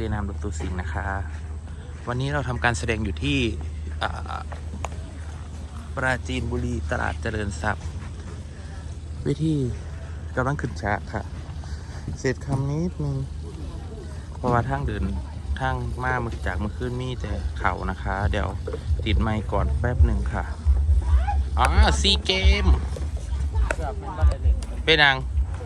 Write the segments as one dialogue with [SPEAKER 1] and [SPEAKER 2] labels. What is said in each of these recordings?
[SPEAKER 1] นามดรสิงห์นะคะวันนี้เราทำการแสดงอยู่ที่ปราจีนบุรีตลาดเจริญทรัพย์วิธีกำลังขึ้นฉากค่ะเสร็จคำนิดนึงเพราะว่าทางเดินทางมาเมื่อจากเมื่อคืนมีแต่เขานะคะ เดี๋ยวติดไมค์ก่อนแป๊บหนึ่งค่ะซีเกมเป็นนาง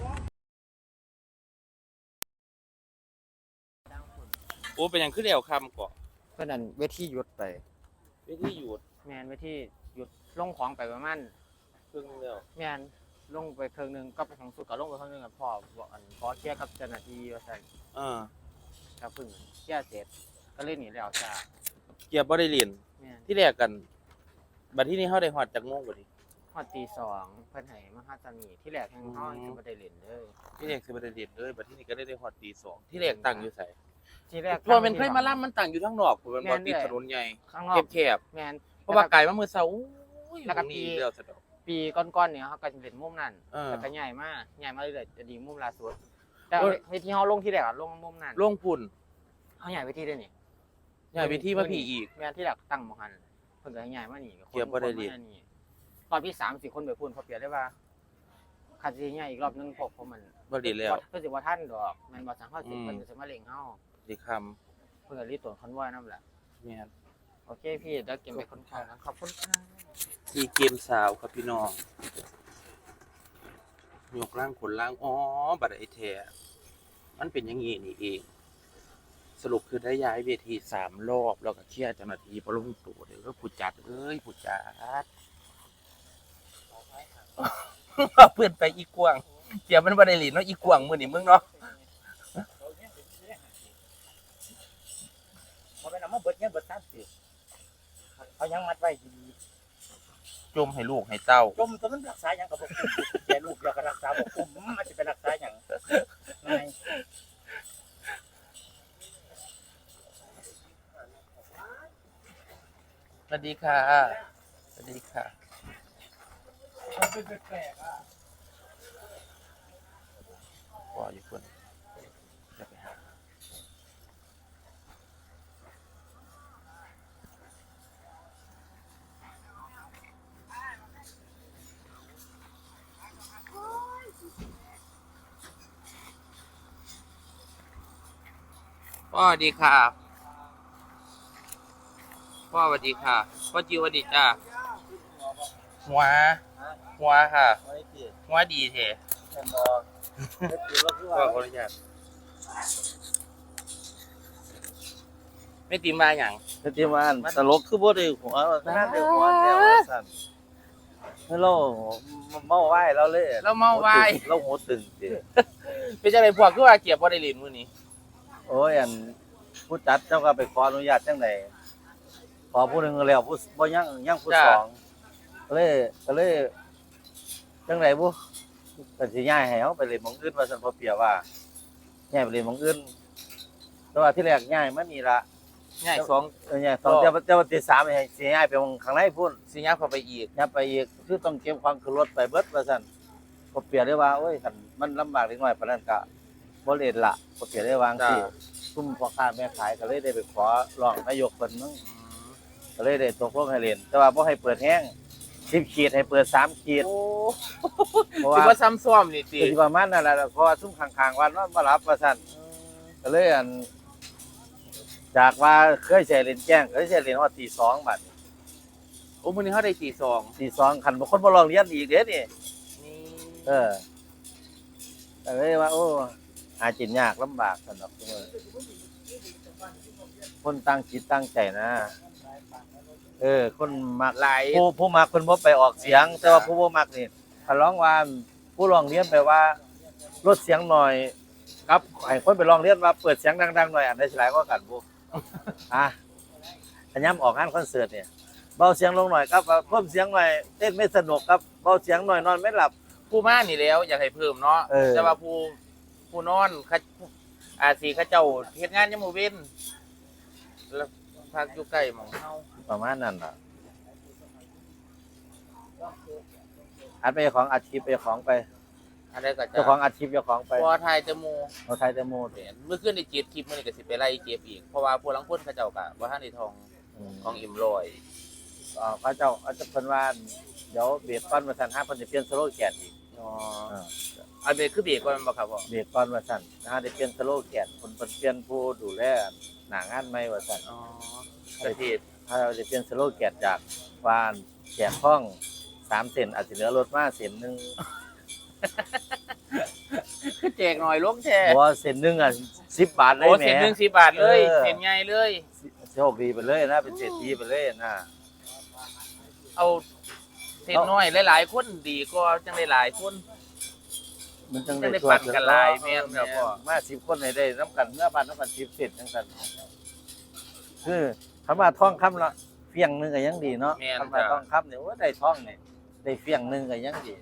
[SPEAKER 1] โอ้เป็นยังขึ้นเดี่ยวคำก่อน
[SPEAKER 2] เพื่อนนั่นเวทีหยุดไป
[SPEAKER 1] เวทีหยุด
[SPEAKER 2] แมนเวทีหยุดลงของไปประมาณ
[SPEAKER 1] ครึ่งเดียว
[SPEAKER 2] แมนลงไปครึ่งนึงก็ของสุดก็ลงไปครึ่งนึงกับพ่อบอกอันพอเคลียร์กับเจ้าหน้าที่ว่าซั่นครับพึ่งเคลียร์เสร็จก็เล่นหนีแล้วจ้า
[SPEAKER 1] เกียร์บ่ได้เรียนที่แรกกันบัดที่นี้เขาได้ฮอดจากโมงบ่ดิ
[SPEAKER 2] ฮอดตี2เพิ่นให้มาหาตานีที่แรกแห่งเฮาสิบ่ได้เล่นเลย
[SPEAKER 1] ที่แรกสิบ่ได้เรียนเลยบัดที่นี้ก็ได้ฮอดตี2ที่แรกตั้งอยู่ไส
[SPEAKER 2] ที่แรก
[SPEAKER 1] เพราะมันเคยมาล่ำมันตั้งอยู่ทางนอกผมมันบ่ติดถนนใหญ่แคบ
[SPEAKER 2] ๆแม่น
[SPEAKER 1] เพราะว่าไกลมามื้อเช้า
[SPEAKER 2] แล้วก็ปีก่อนๆเนี่ยเฮาก็สิเล่นมุมนั้นแล้วก็ย้ายมาเรื่อยๆจะดีมุมล่าสุดแต่เวทีเฮาลงที่แรกลงมุมนั้น
[SPEAKER 1] ลงพุ่น
[SPEAKER 2] เฮาย้ายเวทีได้นี่
[SPEAKER 1] ย้ายเวทีมาพี่อีก
[SPEAKER 2] แม่นที่แรกตั้งหม้องหันเพิ่นก็ย้ายมานี่
[SPEAKER 1] เกียบบ่ได้เรียน
[SPEAKER 2] ตอนที่3-4คนไปพุ่นพอเปรียบได้ว่าคันสิย้ายอีกรอบนึงพวกผมมัน
[SPEAKER 1] บ่ดีแล้ว
[SPEAKER 2] เพิ่นสิบ่ทันดอกแม่นบ่สังเฮาสิเพิ่นสิมาเร่งเฮา
[SPEAKER 1] สิคำ
[SPEAKER 2] เพิ่นก็รีบตรวจคอนวอยนำแหละ
[SPEAKER 1] แม่น
[SPEAKER 2] โอเคพี่เดี๋ยวเก็บไปคนของขอบคุณค่ะ
[SPEAKER 1] ที่เกมสาวครับพี่น้องยกร่างขนล่างบัดไอ้แท้มันเป็นอย่างงี้นี่เองสรุปคือได้ย้ายเวที3รอบแล้วก็เคลียร์เจ้าหน้าที่บ่ลงตัวเด้อผู้จัดผู้จัดเพื่อนไปอีกวางเจียมันบ่ได้หลีเนาะอีกวางมื้อนี้มึงเนาะ
[SPEAKER 2] บ่แม่นเอามาเบิดเงินเบิดทรัพย์สิเขายังมัดไว้ดี
[SPEAKER 1] จมให้ลูกให้เต้า
[SPEAKER 2] จมตัวมันรักษาหยังก็บ่คุ้มแก่ลูกแล้วก็รักษาบ่คุ้มมันสิไปรักษาหยังง่าย
[SPEAKER 1] สวัสดีค่ะสวัสดีค่ะ
[SPEAKER 2] มันเป็นแปลกอ่ะ
[SPEAKER 1] พออยู่คนจะไปหาพ่อสวัสดีค่ะพ่อสวัสดีค่ะพ่อจิวสวัสดีจ้าหัวค่ะหัวดีเถอะก็ขออนุญาตไม่ตีมาอย่าง
[SPEAKER 2] ไม่ตีมาตลกคือบ่ได้หัวนั่นได้หัวแถวสั่นเราเมาไหว้เราเลย
[SPEAKER 1] เราเมาไหว้
[SPEAKER 2] เราหัวตึงสิ
[SPEAKER 1] เป็นจังได๋พวกคือว่าเกียบบ่ได้เล่นมื้อนี้
[SPEAKER 2] โอ้ยอันผู้จัดเจ้าก็ไปขออนุญาตจังได๋พอผู้นึงแล้วผู้บ่ยังผู้สองก็เลยจังได๋บ่ก็สิย้ายให้เฮาไปเล่นหม้องอื่นว่าซั่นพอเปรียบว่าย้ายไปเล่นหม้องอื่นแต่ว่าที่แรกย้ายมานี่ล่ะ
[SPEAKER 1] ย้าย2
[SPEAKER 2] ย้าย2แต่ว่าที่3ให้สิย้ายไปหม้องข้างในพุ่น
[SPEAKER 1] สิย้ายเข้าไปอีก
[SPEAKER 2] ย้ายไปอีกคือต้องเก็บความขึ้นรถไปเบิดว่าซั่นพอเปรียบได้ว่าโอ้ยคันมันลำบากเล็กน้อยปานนั้นก็บ่เล่นล่ะพอเปรียบได้วางสิซุ่มพ่อค้าแม่ขายก็เลยได้ไปขอร้องนายกเพิ่นมึงก็เลยได้ตกลงให้เล่นแต่ว่าบ่ให้เปิดแห้ง10 ขีดให้เปิด3 ขีด
[SPEAKER 1] เพราะว่าซ้ำซ้อมนี่ติ
[SPEAKER 2] สิประมาณนั้นล่ะเพราะว่าซุ่มข้างๆวันนอนบ่หลับว่าซั่นก็เลยจากว่าเคยใช้เล่นแจ้งเคยใช้เล่นว่าตี2บัด
[SPEAKER 1] โอ้มื้อนี้เฮาได้ตี
[SPEAKER 2] 2คันบ่คนบ่ร้องเรียนอีกเด้นี่ก็เลยว่าโอ้หากินยากลำบากซั่นดอกคนตั้งจิตตั้งใจนะคนมักหลายผู้มักเพิ่นบ่ไปออกเสียงแต่ว่าผู้บ่มักนี่ถ้าร้องว่าผู้ร้องเรียนไปว่าลดเสียงหน่อยครับให้คนไปร้องเรียนว่าเปิดเสียงดังๆหน่อยอันใดสิหลายกว่ากันบ่อันย้ำออกงานคอนเสิร์ตเนี่ยเบาเสียงลงหน่อยครับเพิ่มเสียงหน่อยเต้นไม่สนุกครับเบาเสียงหน่อยนอนไม่หลับ
[SPEAKER 1] ผู้มานี่แล้วอยากให้เพิ่มเนาะแต่ว่าผู้นอนสิเขาเจ้าเฮ็ดงานยามมื้อเว้นแล้วพักอยู่ใกล้หม่องเฮา
[SPEAKER 2] ประมาณนั้นล่ะอันไปของอาชีพไปของไป
[SPEAKER 1] อะไรก็จะ
[SPEAKER 2] เจ้าของอัดคลิปเจ้าของไป
[SPEAKER 1] พอไทยจะโม
[SPEAKER 2] เอาไทยแต่โมด
[SPEAKER 1] เมื่อคืนได้เจ็บคลิปมื้อนี้ก็สิไปไล่เจ็บอีกเพราะว่าพวกลังคนเขาเจ้าก็บ่ทันได้ทองของอิ่มลอย
[SPEAKER 2] พระเจ้าอาจจะเพิ่นว่าเดี๋ยวเบรกก่อนว่าซั่นเพิ่นจะเปลี่ยนสโลแกนอีก
[SPEAKER 1] อ๋ออันเบรกคือเบรกก่อนบ่ครับพ่อ
[SPEAKER 2] เบรกก่อนว่าซั่นได้เปลี่ยนสโลแกนเพิ่นเปลี่ยนผู้ดูแลหน้างานใหม่ว่าซั่น
[SPEAKER 1] อ๋อประเทศ
[SPEAKER 2] ถ้าเราจะเปลี่ยนสโลแกนจากว่าแจกห้อง3เส้นอาจจะเหลือรถมาเส้นหนึง
[SPEAKER 1] คือแจกหน่อยลงแท้
[SPEAKER 2] เพราะว่าเส้นหนึงอ่ะ10 บาทเลย
[SPEAKER 1] โอ้
[SPEAKER 2] แหม
[SPEAKER 1] เส้นหนึง10 บาทเลย
[SPEAKER 2] เออ
[SPEAKER 1] เส้นใหญ่เลย
[SPEAKER 2] โชคดีไปเลยนะเป็นเศรษฐีไปเลยนะ
[SPEAKER 1] เอาเส้นน้อยหลายๆคนดีก็จังได้หลายคน
[SPEAKER 2] มันจัง
[SPEAKER 1] จะได้
[SPEAKER 2] ช่วย
[SPEAKER 1] ปั่นกันหลายแม่นครับพ่อ
[SPEAKER 2] มา10 คนให้ได้นํกันเมื่อบ้านนํกัน10เส้นจังซั่นคือคำว่าทองคำละเฟียงหนึงก็ยังดีเนาะ
[SPEAKER 1] แม่น
[SPEAKER 2] คำว่า
[SPEAKER 1] จ้ะ
[SPEAKER 2] ทองคำเนี่ยว่าได้ทองเนี่ยได้เฟียงหนึงก็ยังดี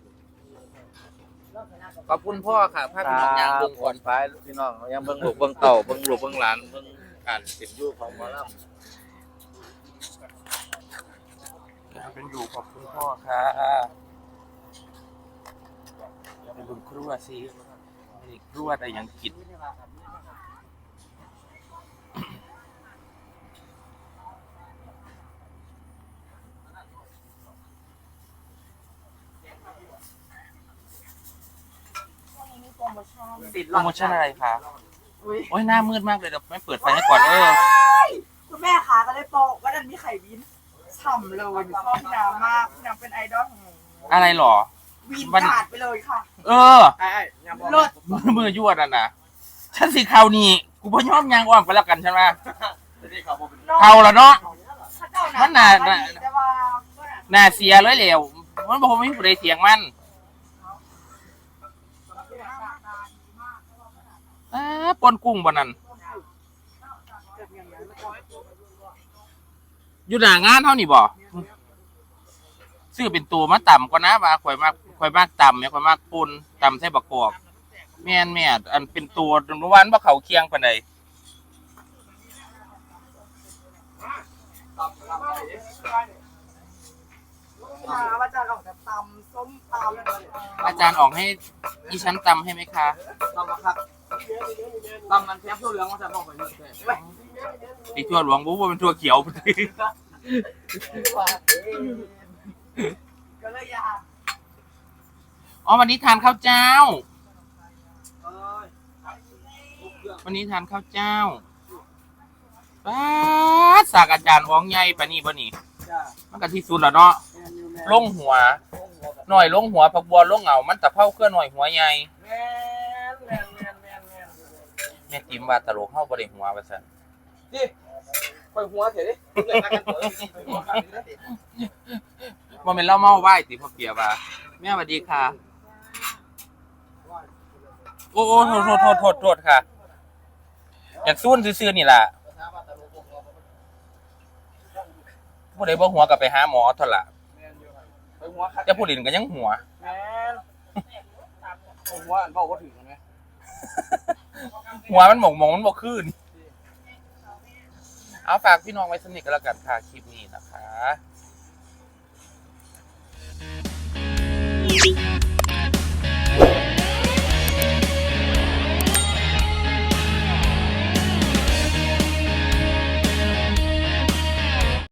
[SPEAKER 1] ขอบคุณพ่อค่ะพาพี่น้องย่างเบิ่งก่อน
[SPEAKER 2] ไปพี่น้องยังเบิ่งลูกเบิ่งเต่าเบิ่งลูกเบิ่งหลานเบิ่งการเป็นอยู่ของหมอลำ
[SPEAKER 1] เป็นอยู่ขอบคุณพ่อค่ะไปเบิ่งครัวสินี่ครัวได้หยังกินโปรโมชั่นอะไรคะโอ้ยหน้ามืดมากเลยเดี๋ยวไม่เปิดไฟให้ก่อน
[SPEAKER 3] คุณแม่คะก็เลยบอกว่าดันมีไข่วินฉ่ำเลยหนูชอบพี่น้ำมากพี่น้ำเป็นไอดอลของหนู
[SPEAKER 1] อะไรหรอ
[SPEAKER 3] วิน
[SPEAKER 1] มัน
[SPEAKER 3] ขาดไปเลยค่ะ
[SPEAKER 1] เออ
[SPEAKER 3] เลิศ
[SPEAKER 1] มือยวดอ่ะนะฉันสิเขานี่กูพ่ยอมยางอ้อมไปแล้วกันใช่ไหมเขาแล้วเนาะ มันน่ะ
[SPEAKER 3] แต่ว่า
[SPEAKER 1] น่าเสียเลยเหลวมันบอกว่าไม่มีผู้ใดเสียงมันปนกุ้งบนนั้นอยู่หน้างานเท่านี่บ่ซื้อเป็นตัวมาต่ำกว่านะว่าข่อยมากต่ำเนี่ยข่อยมากปูนต่ำใส่บักกอกแม่นอันเป็นตัวเมื่อวานบ่เขาเคียงปานใด
[SPEAKER 3] ว่าจะออกจะตำส้มตำ
[SPEAKER 1] อาจารย์ออกให้อีชั้นตำให้ไหมคะ
[SPEAKER 3] ตำครับตำมันแทบทั่วเหลืองมาจากบอกไปนี่เลย
[SPEAKER 1] ไอทั่วหลวงบุ๊บเป็นทั่วเขียวพอดี
[SPEAKER 3] ก็เลยอยาก
[SPEAKER 1] อ๋อวันนี้ทานข้าวเจ้า วันนี้ทานข้าวเจ้าป้าดสากอาจารย์อ้องใหญ่ปะนี่บ่นี่มันก็ที่สุดแล้วเนาะลงหัวหน่อยลงหัวผักบัวลงเหงามันตะเภาเคลื่อนหน่อยหัวใหญ่แม่ติมว่าตลกเฮาบ่ได้หัวว่าซั่น
[SPEAKER 3] ไปหัวเถอะดิเลยนักกันเถอะ
[SPEAKER 1] บ่แม่นเราเมาไหว้ติพ่อเปียว่าแม่สวัสดีค่ะโอ้โทษค่ะอยากซูนซื่อๆนี่ล่ะผู้ใดบ่หัวก็ไปหาหมอเท่าล่ะแต่ผู้อื่นก็ยังหัว
[SPEAKER 3] แม่ผมว่าอันเบาก็ถึงไหม
[SPEAKER 1] หัวมันหมองมันบ่คืนเอาฝากพี่น้องไว้สนิทกันแล้วกันค่ะคลิปนี้นะคะ